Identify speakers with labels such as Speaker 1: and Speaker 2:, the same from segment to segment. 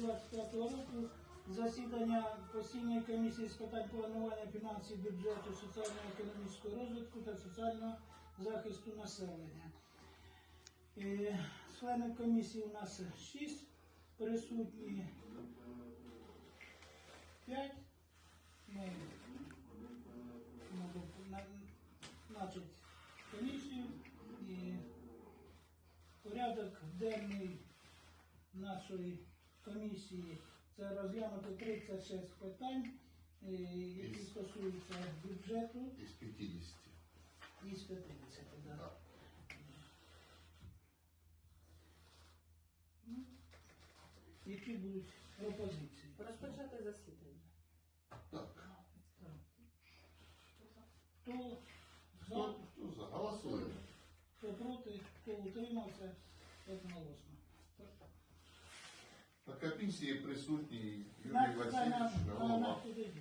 Speaker 1: 2025 року засідання постійної комісії з питань планування фінансів, бюджету, соціально-економічного розвитку та соціального захисту населення. Членів комісії у нас 6, присутні 5. Ми значить, комісію і порядок денний нашої комісії це розглянути 36 питань, які стосуються бюджету.
Speaker 2: Із 50.
Speaker 1: Із 50, так. Да. Ну, які будуть пропозиції?
Speaker 3: Розпочати засідання.
Speaker 2: Так.
Speaker 1: Хто за?
Speaker 2: Хто за? Голосуємо.
Speaker 1: Хто проти, хто утримався, одноголосно.
Speaker 2: На комісії присутній Юрій Васильович, голова.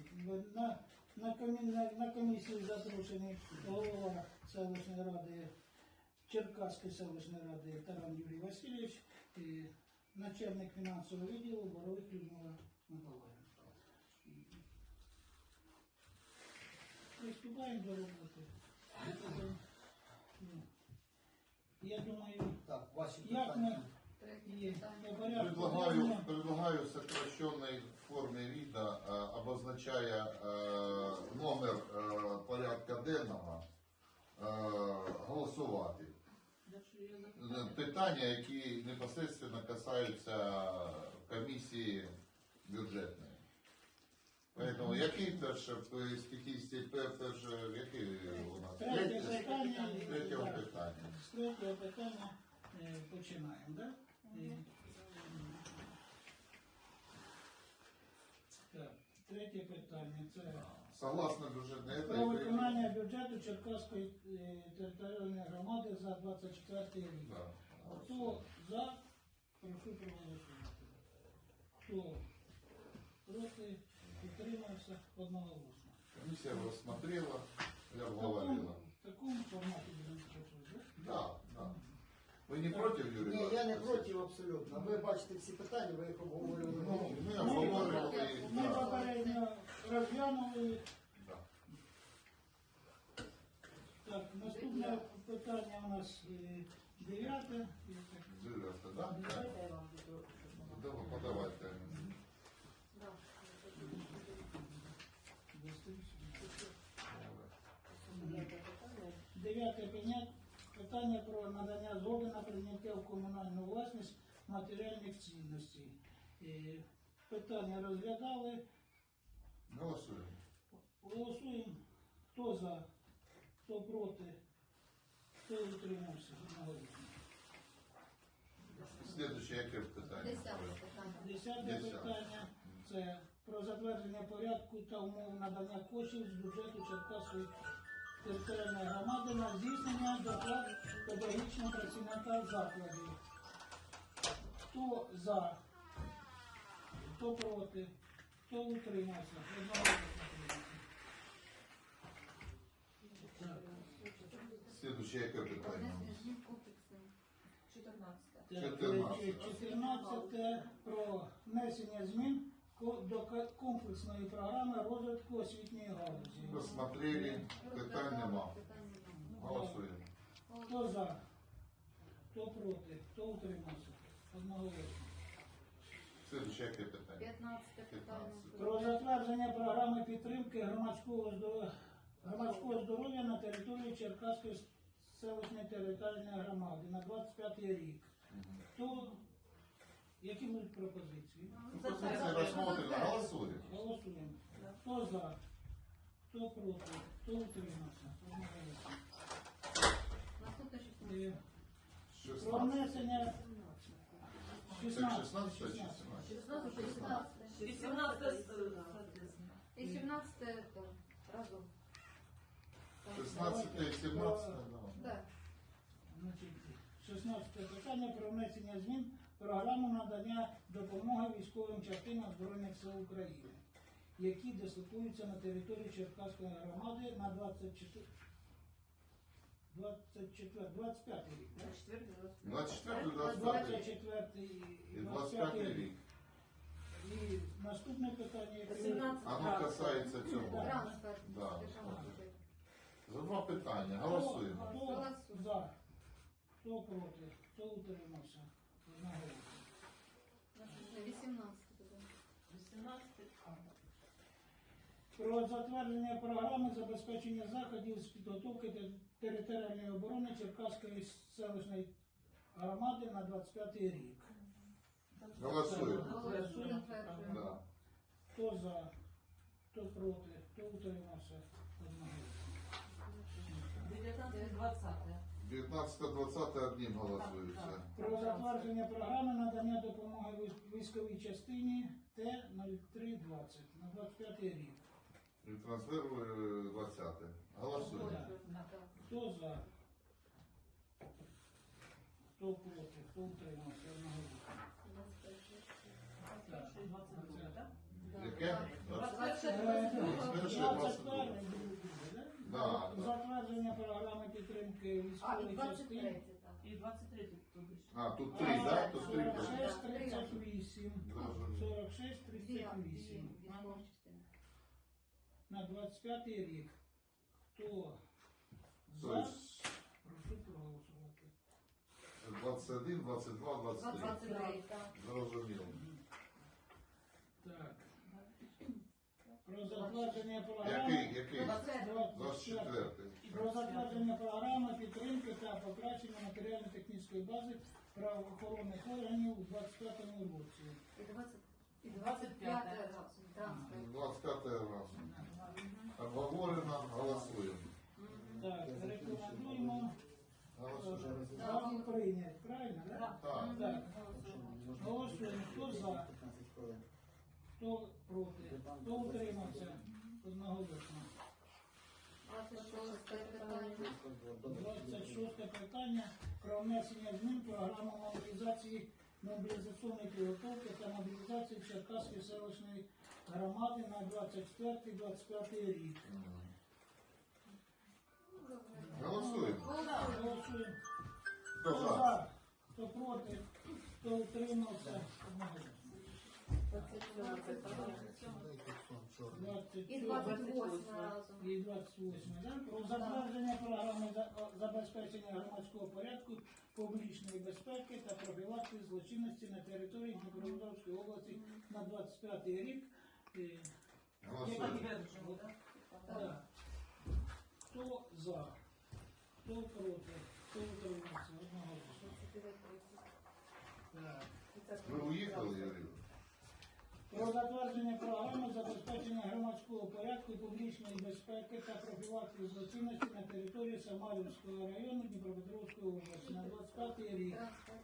Speaker 1: На комісії запрошений голова селищної ради, Черкаської селищної ради Таран Юрій Васильович, і начальник фінансового відділу Боровик Людмила Миколаївна. Приступаємо до роботи. Я думаю,
Speaker 4: Так, ваші
Speaker 1: як ми
Speaker 4: питання.
Speaker 1: по порядку
Speaker 2: Предлагаю сокращенной форме вида, обозначая номер порядка денного, голосувати. Питання, які непосредственно касаються комісії бюджетної. Поэтому який перше, з 50 перше, який у нас?
Speaker 1: Третє питання.
Speaker 2: З третього питання.
Speaker 1: З третього питання починаємо, так? Так, третє питання це
Speaker 2: Согласно бюджетної
Speaker 1: про виконання бюджету Черкаської територіальної громади за 24 рік.
Speaker 2: Да.
Speaker 1: Хто за, прошу проголосувати. Хто проти, утримався одноголосно.
Speaker 2: Комиссия рассмотрела, я говорила.
Speaker 1: В такому форматі будемо працювати, так?
Speaker 2: Да, да. Вы не против, Юрий?
Speaker 4: Ні, я не
Speaker 2: Васильевич?
Speaker 4: проти абсолютно. Ви бачите всі питання, ви їх обговорювали.
Speaker 2: Ну, мы обговорили,
Speaker 1: Ми
Speaker 2: да.
Speaker 1: попередньо розглянули.
Speaker 2: Да.
Speaker 1: Так, наступне питання у нас 9.
Speaker 2: Девятое, да?
Speaker 3: Давайте я вам буду.
Speaker 2: Давай, подавайте.
Speaker 1: Дев'яте питання про надання згоди на прийняття в комунальну власність матеріальних цінностей. Питання розглядали.
Speaker 2: Голосуем.
Speaker 1: Голосуємо. Хто за, хто проти, хто утримався.
Speaker 2: Следующее, яке питання?
Speaker 1: Десяте питання це про затвердження порядку та умов надання коштів з бюджету Черкаської територіальної громади на здійснення доплат педагогічним працівникам закладів. Хто за, хто проти, хто утримався.
Speaker 2: Следующее, яке питання?
Speaker 3: 14.
Speaker 1: 14 про внесення змін до комплексної програми розвитку освітньої галузі.
Speaker 2: Розсмотрели, питань нема. Голосуємо.
Speaker 1: Хто за, хто проти, хто утримався. Одноголосно.
Speaker 2: Следующее, яке питання?
Speaker 3: 15 питання.
Speaker 1: Про затвердження програми підтримки громадського здоров'я на території Черкаської селищної територіальної громади на 25 рік. Хто, які будуть пропозиції?
Speaker 2: Пропозиція розсмотрена, голосуємо.
Speaker 1: Голосуємо. Хто за, хто проти, хто утримався. Одноголосно.
Speaker 3: Наступне
Speaker 1: Про
Speaker 2: 16.
Speaker 1: внесення
Speaker 2: Це 16 чи 17?
Speaker 3: 18 і 17 разом.
Speaker 2: 16 і 17, да.
Speaker 3: Так.
Speaker 1: Значить, 16 питання про внесення змін в програму надання допомоги військовим частинам Збройних сил України, які дислокуються на території Черкаської громади на 25 рік. Так?
Speaker 2: 24, 25
Speaker 1: 24 і
Speaker 2: і 25 рік.
Speaker 1: Наступне питання, яке
Speaker 5: 17.
Speaker 2: Оно касається цього.
Speaker 3: Трансфер.
Speaker 2: Да.
Speaker 3: Державного бюджету.
Speaker 2: За два питання. Голосуємо.
Speaker 1: Хто
Speaker 3: Голосуємо.
Speaker 1: за? Хто проти? Хто утримався? Одноголосно.
Speaker 3: Наступне 18 буде.
Speaker 5: 18.
Speaker 1: Про затвердження програми забезпечення заходів з підготовки територіальної оборони Черкаської селищної громади на 25 рік.
Speaker 2: Голосуємо.
Speaker 3: Голосуємо. Затверджуємо.
Speaker 2: Да.
Speaker 1: Хто за? Хто проти? Хто утримався? Одноголосно.
Speaker 5: 19-20.
Speaker 2: 19-20 одним голосується.
Speaker 1: Про затвердження програми надання допомоги військовій частині Т-0320 на 25 рік.
Speaker 2: І трансфер 20. Голосуємо.
Speaker 3: Так.
Speaker 1: Хто за? Хто проти? Хто утримався? Одноголосно.
Speaker 5: 21 22, так?
Speaker 2: Яке?
Speaker 3: 21.
Speaker 2: Да, да.
Speaker 1: Затвердження програми підтримки
Speaker 3: А, і
Speaker 1: військової
Speaker 3: 23,
Speaker 1: частини.
Speaker 3: так.
Speaker 5: І 23 тут більше.
Speaker 2: А, тут 3, так? Тут 3.
Speaker 1: 46, 38.
Speaker 2: Зрозуміло.
Speaker 1: 46,
Speaker 3: Дві
Speaker 1: 38.
Speaker 3: військові частини.
Speaker 1: На 25 рік. Хто за?
Speaker 2: Тобто
Speaker 1: Прошу проголосувати.
Speaker 2: 21, 22, 23.
Speaker 3: 23, так.
Speaker 2: Зрозуміло.
Speaker 1: Так. Про затвердження програми.
Speaker 2: Який? 24.
Speaker 1: Про затвердження програми підтримки та покращення матеріально-технічної бази правоохоронних органів у 2025 році.
Speaker 3: І 25 разом. Трансфер.
Speaker 2: 25 раз. Обговорено, голосуємо.
Speaker 1: Так, рекомендуємо
Speaker 2: Голосуємо.
Speaker 1: вам прийняти. Правильно, так?
Speaker 2: Так.
Speaker 1: Так. Голосуємо. Хто за? Хто проти? Хто утримався? Одноголосно.
Speaker 3: 26 питання.
Speaker 1: 26 питання про внесення змін в програму мобілізаційної підготовки та мобілізації Черкаської селищної громади на 24-25 рік.
Speaker 2: Голосуємо.
Speaker 1: Голосуємо.
Speaker 2: Хто
Speaker 1: Хто
Speaker 2: за?
Speaker 1: за? Хто проти? Хто утримався? Одноголосно.
Speaker 3: 27. І 28 разом.
Speaker 1: І 28. Да? Про затвердження програми забезпечення громадського порядку, публічної безпеки та профілактики злочинності на території Дніпропетровської області на 25 рік.
Speaker 2: Голосуємо.
Speaker 5: Підтверджуємо, так?
Speaker 1: Да. Хто за? Хто проти? Хто утримався? Одноголосно.
Speaker 3: 29.
Speaker 1: Так.
Speaker 2: Ви уїхали, Юрій?
Speaker 1: Про затвердження програми забезпечення громадського порядку, публічної безпеки та профілактики злочинності на території Самарівського району Дніпропетровської області на 25 рік.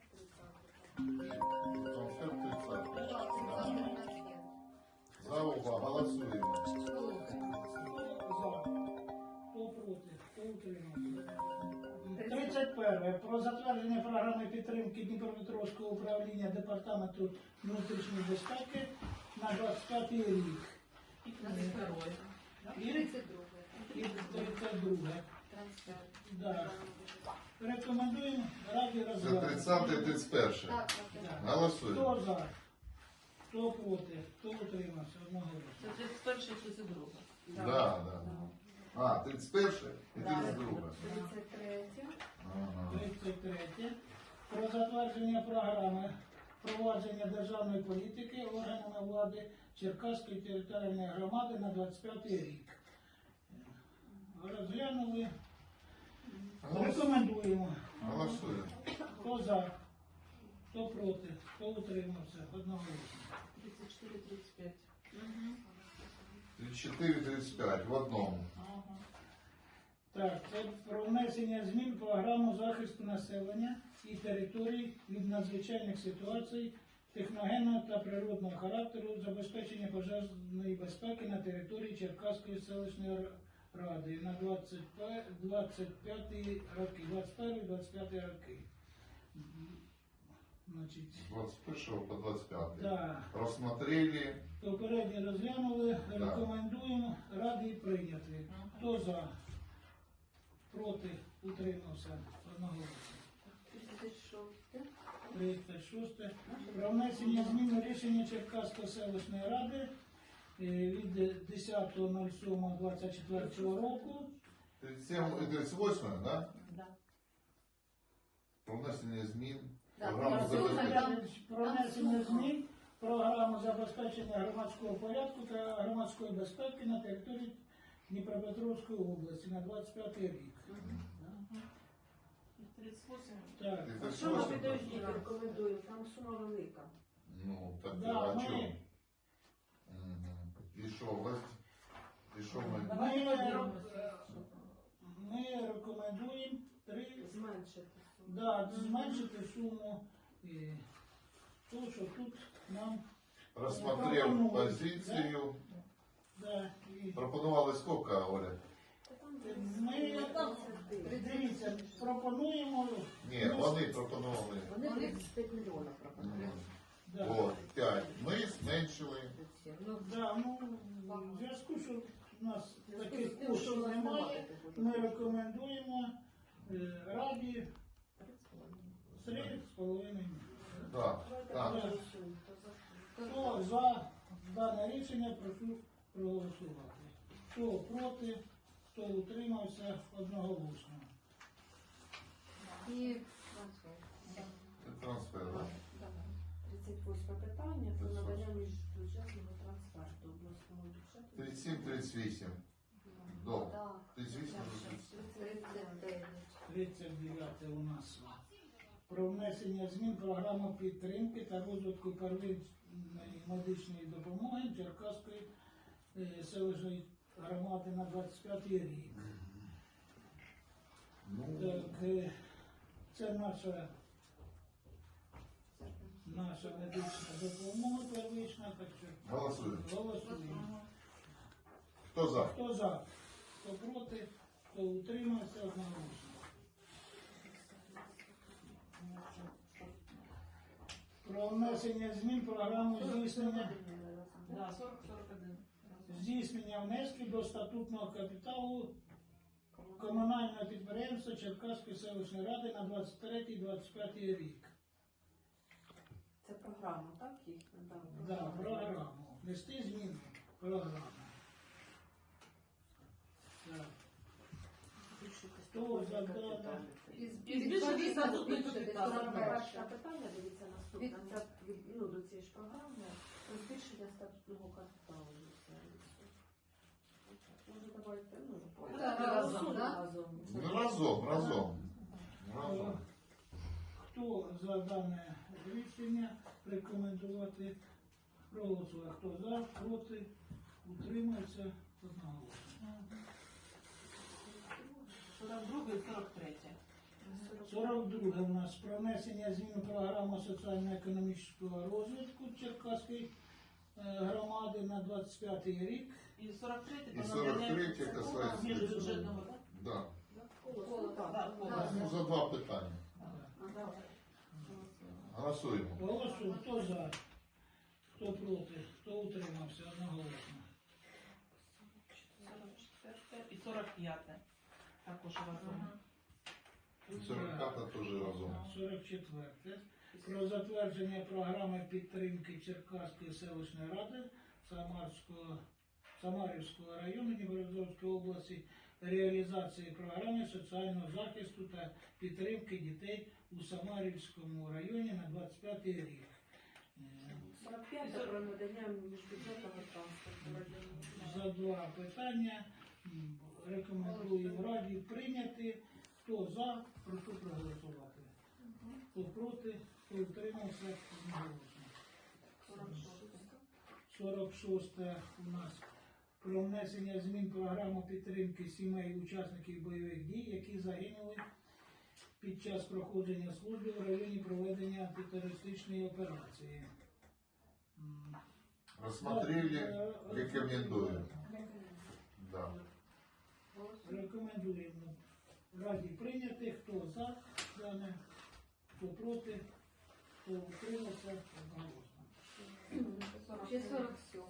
Speaker 3: Трансфер 30.
Speaker 2: Трансфер 30.
Speaker 3: Так, у нас є.
Speaker 2: За оба голосуємо.
Speaker 1: Хто за? Хто проти? Хто утримався? 31. Про затвердження програми підтримки Дніпропетровського управління Департаменту внутрішньої безпеки на 25 рік.
Speaker 5: І 32.
Speaker 1: І
Speaker 3: 32.
Speaker 1: і 32.
Speaker 3: Трансфер.
Speaker 1: Да. Рекомендуємо раді
Speaker 2: Це
Speaker 1: розглянути.
Speaker 2: 30 31.
Speaker 3: Так, так, так.
Speaker 2: Голосуємо.
Speaker 1: Хто за? Хто проти? Хто утримався? Одноголосно.
Speaker 5: Це 31 і 32.
Speaker 2: Да, да. А, 31 і 32.
Speaker 3: 33.
Speaker 2: Ага.
Speaker 1: 33. Про затвердження програми провадження державної політики органами влади Черкаської територіальної громади на 25 рік. Розглянули. Рекомендуємо.
Speaker 2: Голосуємо.
Speaker 1: Хто за? Хто проти? Хто утримався? Одноголосно.
Speaker 5: 34-35.
Speaker 2: 34-35 в одному.
Speaker 1: Так, це про внесення змін в програму захисту населення і територій від надзвичайних ситуацій техногенного та природного характеру, забезпечення пожежної безпеки на території Черкаської селищної ради на 25 роки, 21-25 роки. Значить,
Speaker 2: З 21 по 25.
Speaker 1: да,
Speaker 2: Розсмотрели.
Speaker 1: попередньо розглянули, рекомендуємо, раді прийняти. Хто за? Проти? Утримався? Одноголосно.
Speaker 3: 36.
Speaker 1: 36. Про внесення змін у рішення Черкаської селищної ради від 10.07.24 року.
Speaker 2: 38, да?
Speaker 5: Да.
Speaker 2: Про внесення змін.
Speaker 3: Так,
Speaker 2: Програму
Speaker 3: так,
Speaker 2: забезпечення.
Speaker 1: Про внесення змін в програму забезпечення громадського порядку та громадської безпеки на території Дніпропетровської області на 25 рік.
Speaker 5: 38.
Speaker 1: Так.
Speaker 2: Це
Speaker 6: Що ми
Speaker 2: 38,
Speaker 6: підождіть, рекомендуємо? Там сума велика.
Speaker 2: Ну, так,
Speaker 1: Да,
Speaker 2: а
Speaker 1: ми-
Speaker 2: чому? І що, у вас? І що ми?
Speaker 5: Давайте подивимося.
Speaker 1: Ми рекомендуємо
Speaker 6: Зменшити суму.
Speaker 1: зменшити суму. То, що тут нам
Speaker 2: Розсмотрев позицію.
Speaker 1: і
Speaker 2: Пропонували скільки, Оля?
Speaker 6: Та там
Speaker 1: ми дивіться, пропонуємо
Speaker 2: Ні, вони пропонували.
Speaker 6: Вони 35 мільйонів пропонують.
Speaker 2: От, 5. Ми зменшили.
Speaker 6: Ну,
Speaker 1: в зв'язку, що у нас таких коштів немає, ми рекомендуємо раді 3,5 мільйони.
Speaker 2: Так, так.
Speaker 1: Хто за дане рішення, прошу проголосувати. Хто проти, хто утримався одноголосно.
Speaker 3: І трансфер.
Speaker 2: Це трансфер, так?
Speaker 6: 38 питання про надання міжбюджетного трансферту обласного бюджету.
Speaker 2: 37-38. До.
Speaker 3: Так.
Speaker 2: 38.
Speaker 3: 39.
Speaker 1: 39 у нас. Про внесення змін в програму підтримки та розвитку первинної медичної допомоги Черкаської селищної громади на 25 рік.
Speaker 2: Ну,
Speaker 1: Так, це наша медична допомога первична, так що
Speaker 2: Голосуємо.
Speaker 1: голосуємо.
Speaker 2: Хто за?
Speaker 1: Хто за, хто проти, хто утримався одноголосно. Про внесення змін в програму
Speaker 5: Да, 40-41.
Speaker 1: здійснення внесків до статутного капіталу комунального підприємства Черкаської селищної ради на 23-25 рік.
Speaker 6: Це програма, так? Їх надали?
Speaker 1: Да, програму. Внести зміни в програму. Так. Хто за дане?
Speaker 5: І збільшити статутний капітал.
Speaker 6: Перше питання, дивіться, наступне. Це до цієї ж програми про збільшення статутного капіталу. Може, давайте,
Speaker 3: Разом, да?
Speaker 6: разом.
Speaker 2: Ну, разом.
Speaker 1: Хто за дане рішення рекомендувати проголосувати? Хто за, проти, утримався одноголосно.
Speaker 5: 42 і 43.
Speaker 1: 42 у нас про внесення змін у програму соціально-економічного розвитку Черкаської громади на 25 рік.
Speaker 5: І 43
Speaker 2: І 43 касається.
Speaker 5: міжбюджетного, так?
Speaker 2: Да.
Speaker 6: Коло, так.
Speaker 5: Так, коло.
Speaker 2: Ну, за два питання. Голосуємо.
Speaker 1: Голосуємо. Хто за, хто проти, хто утримався одноголосно.
Speaker 5: 44 і 45. Також разом.
Speaker 2: І 45 теж разом.
Speaker 1: 44. Про затвердження програми підтримки Черкаської селищної ради Самарівського району Дніпропетровської області, реалізації програми соціального захисту та підтримки дітей у Самарівському районі на 25 рік.
Speaker 6: 45 це про надання міжбюджетного транспорту.
Speaker 1: За два питання рекомендуємо раді прийняти. Хто за, прошу проголосувати. Хто проти, хто утримався, одноголосно. 46 у нас про внесення змін в програму підтримки сімей учасників бойових дій, які загинули під час проходження служби в районі проведення антитерористичної операції.
Speaker 2: Рассмотрели, рекомендуем. Да.
Speaker 1: Рекомендуємо раді прийняти, хто за дане, хто проти, хто утримався, одноголосно.
Speaker 3: Чи 47.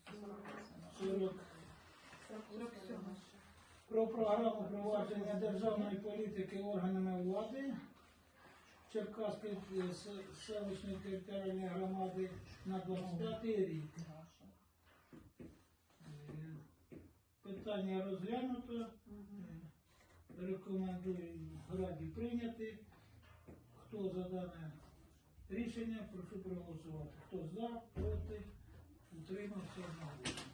Speaker 1: 47. Про програму провадження державної політики органами влади Черкаської селищної територіальної громади на 25 рік. Питання розглянуто. Рекомендую Раді прийняти. Хто за дане рішення, прошу проголосувати. Хто за, проти, утримався одноголосно.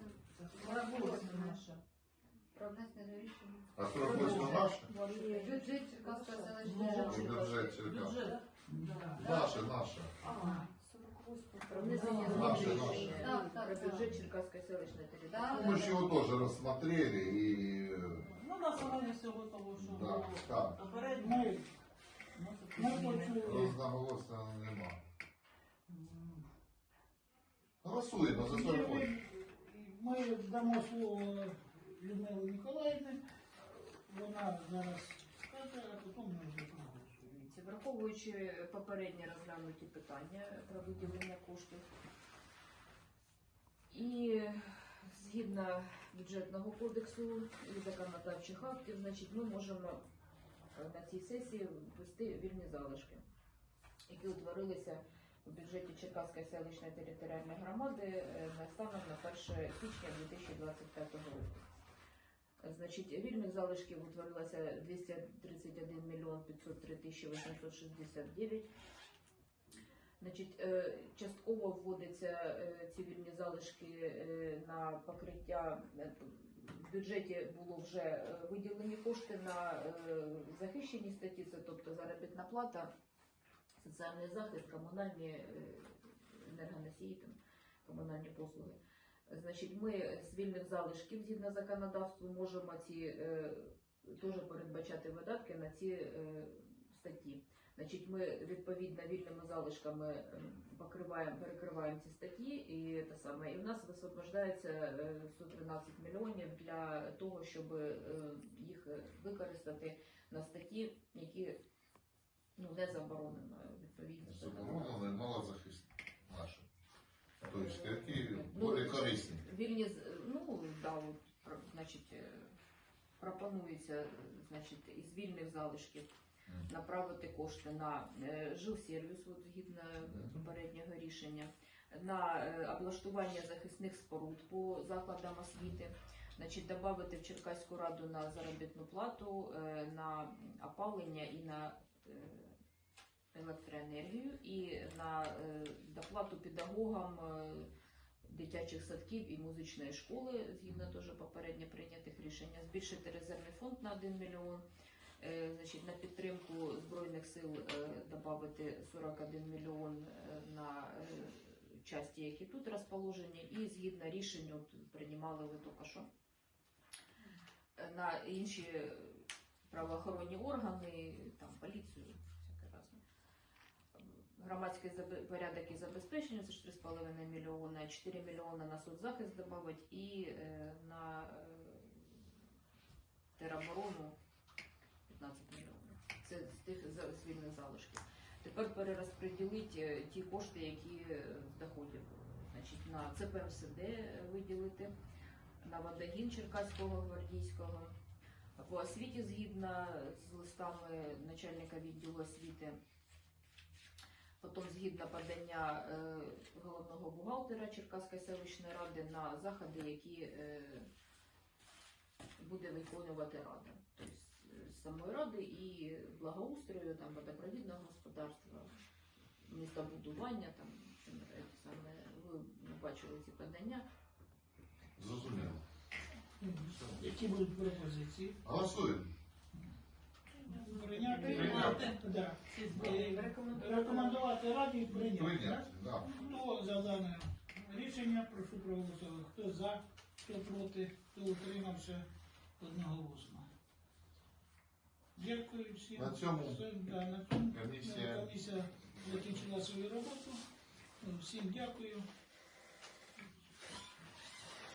Speaker 3: Про внесення рішення.
Speaker 2: А 48 наше?
Speaker 3: Бюджет Черкаської селищної
Speaker 2: І
Speaker 3: ради.
Speaker 2: бюджет Черкас.
Speaker 5: Бюджет.
Speaker 2: Наше, наше.
Speaker 3: Про внесення
Speaker 2: Наше,
Speaker 3: змін.
Speaker 2: наше.
Speaker 3: Так,
Speaker 7: Про
Speaker 3: так,
Speaker 7: бюджет Черкасской селищной
Speaker 3: Да,
Speaker 7: территории.
Speaker 2: Мы же его тоже рассмотрели и...
Speaker 5: Ну, на основанні всього того, що
Speaker 2: Да,
Speaker 5: було
Speaker 2: так.
Speaker 5: попередньо.
Speaker 1: Ми почули.
Speaker 2: Разноголосно нема. Голосуємо за 48.
Speaker 1: Ми дамо слово Людмилі Ніколаївні. Вона зараз скаже, а потім ми вже проголосуємо.
Speaker 7: Враховуючи попередні розглянуті питання про виділення коштів і згідно бюджетного кодексу і законодавчих актів, значить, ми можемо на цій сесії ввести вільні залишки, які утворилися у бюджеті Черкаської селищної територіальної громади станом на 1 січня 2025 року. Значить, вільних залишків утворилося 231 мільйон 503 тисячі 869. Значить, частково вводяться ці вільні залишки на покриття. В бюджеті було вже виділені кошти на захищені статті, це тобто заробітна плата, соціальний захист, комунальні енергоносії, там, комунальні послуги. Значить, ми з вільних залишків, згідно законодавству, можемо ці теж передбачати видатки на ці статті. Значить, ми відповідно вільними залишками перекриваємо ці статті, і те саме, і в нас висвобождається 113 мільйонів для того, щоб їх використати на статті, які не заборонено відповідно.
Speaker 2: Заборонено, малозахисні наші. Тобто, які более корисні.
Speaker 7: Вільні, да, от, значить, пропонується, значить, із вільних залишків направити кошти на жилсервіс, от, згідно попереднього рішення, на облаштування захисних споруд по закладам освіти, значить, додати в Черкаську раду на заробітну плату, на опалення і на електроенергію, і на доплату педагогам дитячих садків і музичної школи, згідно теж попередньо прийнятих рішення, збільшити резервний фонд на 1 мільйон, значить, на підтримку Збройних сил додати 41 мільйон на часті, які тут розположені, і згідно рішенню приймали ви тільки що на інші правоохоронні органи, там, поліцію, всяке разне. Громадський порядок і забезпечення, це ж 3,5 мільйона, 4 мільйона на соцзахист додати і на тероборону 15 мільйонів. Це з тих звільних залишків. Тепер перерозподілити ті кошти, які з доходів. Значить, на ЦПМСД виділити, на водогін Черкаського, Гвардійського, по освіті згідно з листами начальника відділу освіти, потім згідно подання головного бухгалтера Черкаської селищної ради на заходи, які буде виконувати рада. Тобто з самої ради і благоустрою, там, водопровідного господарства, містобудування, там, саме, ви бачили ці подання.
Speaker 2: Зрозуміло.
Speaker 1: Які будуть пропозиції?
Speaker 2: Голосуємо.
Speaker 1: Прийняти?
Speaker 2: Прийняти.
Speaker 1: Да. Рекомендувати раді прийняти.
Speaker 2: Прийняти, так.
Speaker 1: Хто за дане рішення, прошу проголосувати. Хто за, хто проти, хто утримався одноголосно. Дякую всім.
Speaker 2: На цьому
Speaker 1: На цьому
Speaker 2: комісія
Speaker 1: комісія закінчила свою роботу. Всім дякую.